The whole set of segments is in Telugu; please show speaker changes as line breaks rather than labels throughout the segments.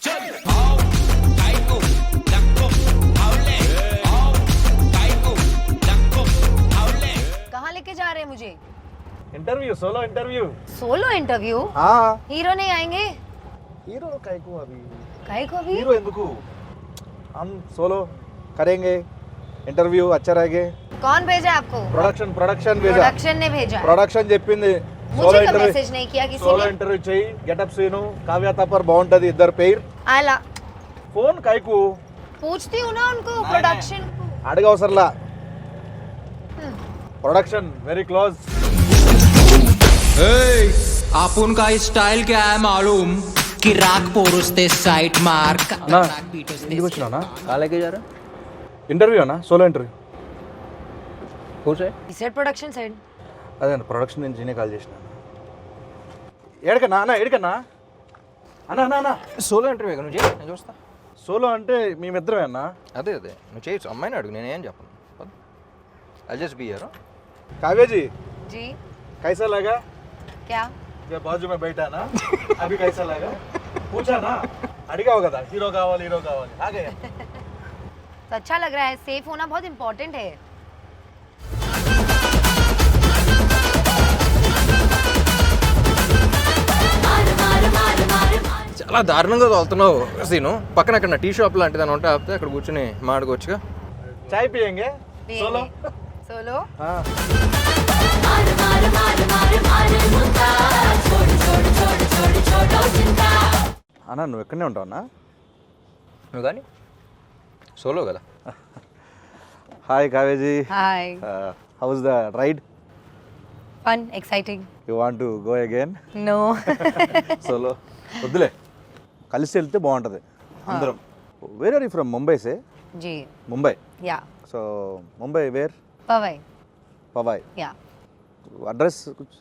कहाँ लेके जा रहे हैं मुझे?
Interview, solo interview.
Solo interview?
हाँ।
हीरो नहीं आएंगे?
हीरो काहे को अभी?
काहे को अभी?
हीरो ఎందుకు? हम सोलो करेंगे इंटरव्यू, अच्छा रहेगा।
कौन भेजा आपको?
प्रोडक्शन भेजा।
प्रोडक्शन ने भेजा है।
ప్రొడక్షన్ చెప్పింది
मुझे का मैसेज नहीं किया किसी
సోలో
ने?
ఇంటర్వ్యూ చెయ్యి, గెటప్ సీను, కావ్య తప్పర్ బాగుంటది, ఇద్దరు పేర్
आला
ఫోన్ కాయకు
पूछती हूँ ना उनको प्रोडक्शन को।
అడగవసరలా। Production very close.
आपण का स्टाइल क्या है मालूम कि राग पोरुस्ते साइट मार्क
ना ఇంటికి వచ్చినానా?
కాలేకే జారా
ఇంటర్వ్యూ అన్నా, సోలో ఇంటర్వ్యూ।
కూర్చో
He said production side.
అదే అన్న, ప్రొడక్షన్ నుంచి నేనే కాల్ చేసిన। ఏడకన్నా అన్న, ఏడకన్నా అన్న అన్న అన్న
సోలో ఇంటర్వ్యూ నువ్వు చేయి, నేను చూస్తా.
సోలో అంటే మేమిద్దరమే అన్న।
అదే నువ్వు చేయొచ్చు, అమ్మాయిని అడుగు, నేనేం చెప్పను. I just be here.
Kavya ji
ji
कैसा लगा?
क्या?
ये बाजू में बैठा ना, अभी कैसा लगा? पूछा ना, अड़गा होगा था हीरो कावाली आ गए।
तो अच्छा लग रहा है। सेफ होना बहुत इम्पोर्टेंट है।
చాలా దారుణంగా తోలుతున్నావు సీను. పక్కన అక్కడ టీ షాప్ లాంటిది అని ఉంటే ఆపితే అక్కడ కూర్చొని మాట్లాడుకోవచ్చుగా.
चाय पियेंगे सोलो?
सोलो?
हाँ। అన్నా నువ్వు ఎక్కడనే ఉంటావు అన్నా?
నువ్వు కానీ సోలో కదా.
హాయ్ కావేజీ,
hi.
How's the ride?
Fun exciting.
You want to go again?
No.
Solo వద్దులే, కలిసి వెళ్తే బాగుంటుంది అందరం. Where are you from? Mumbai సే?
जी
Mumbai.
Yeah
so Mumbai where?
Powai
Powai.
Yeah
address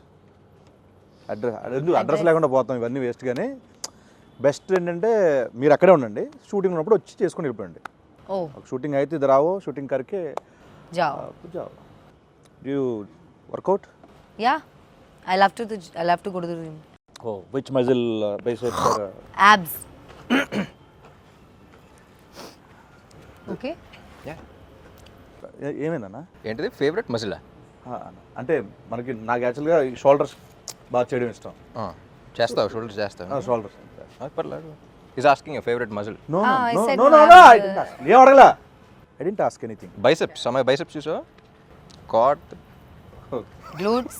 address లేకుండా పోతాం, ఇవన్నీ వేస్ట్. కానీ బెస్ట్ ఏంటంటే మీరు అక్కడే ఉండండి, షూటింగ్ ఉన్నప్పుడు వచ్చి చేసుకొని వెళ్ళిపోండి.
ओ
షూటింగ్ అయితే ఇది రావో, షూటింగ్ కరికే
जाओ।
जाओ। You work out?
Yeah I love to go to the gym.
Oh which muscle biceps?
Abs. Okay.
ఏమైందన్నా?
ఏంటిది ఫేవరెట్ మజిలా?
అంటే నాకు యాక్చువల్గా షోల్డర్స్ బాగా చేయడం ఇష్టం.
చేస్తావు? షోల్డర్ చేస్తావు?
షోల్డర్స్
పర్లేదు. Is asking your favourite muscle.
No
I
no
said
no
no,
no
I
no
have
I didn't ask. ఏం అడగలా, I didn't ask anything.
Biceps, అమ్మాయి బైసెప్స్ చూసావా? కాట్
ग्लूट्स।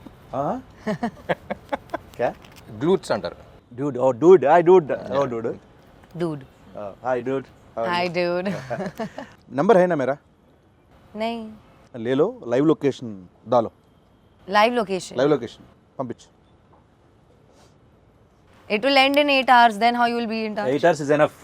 క్యా?
గ్లూట్స్ అంటారు.
dude, oh dude, hi dude, oh dude,
dude.
hi dude,
hi dude.
Number है ना मेरा?
नहीं।
ले लो, लाइव लोकेशन डालो,
लाइव लोकेशन।
पंपिंच.
It will end in 8 hours. Then how you will be in touch?
8 hours is enough.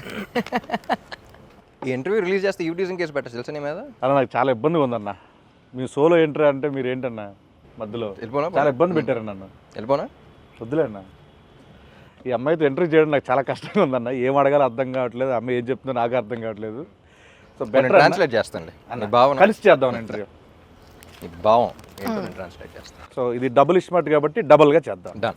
ఈ ఇంటర్వ్యూ రిలీజ్ చేస్తే యూటీజింగ్ కేసు పెట్టచ్చు తెలుసా నీ మీద?
అలా నాకు చాలా ఇబ్బందిగా ఉందన్న. మీ సోలో ఎంట్రీ అంటే మీరు ఏంటన్నా మధ్యలో
వెళ్ళిపోనా?
చాలా ఇబ్బంది పెట్టారు నన్ను.
వెళ్ళిపోనా?
వద్దులే అన్న, ఈ అమ్మాయితో ఎంట్రీ చేయడం నాకు చాలా కష్టంగా ఉందన్న. ఏం అడగాలో అర్థం కావట్లేదు, అమ్మాయి ఏం చెప్తుందో నాకు అర్థం కావట్లేదు. సో
నేను ట్రాన్స్లేట్ చేస్తానులే నీ భావన.
కలిసి చేద్దాం ఇంటర్వ్యూ.
నీ భావం ఏంటో నేను ట్రాన్స్లేట్ చేస్తాను.
సో ఇది డబుల్ ఇస్మార్ట్ కాబట్టి డబుల్గా చేద్దాం.
డన్.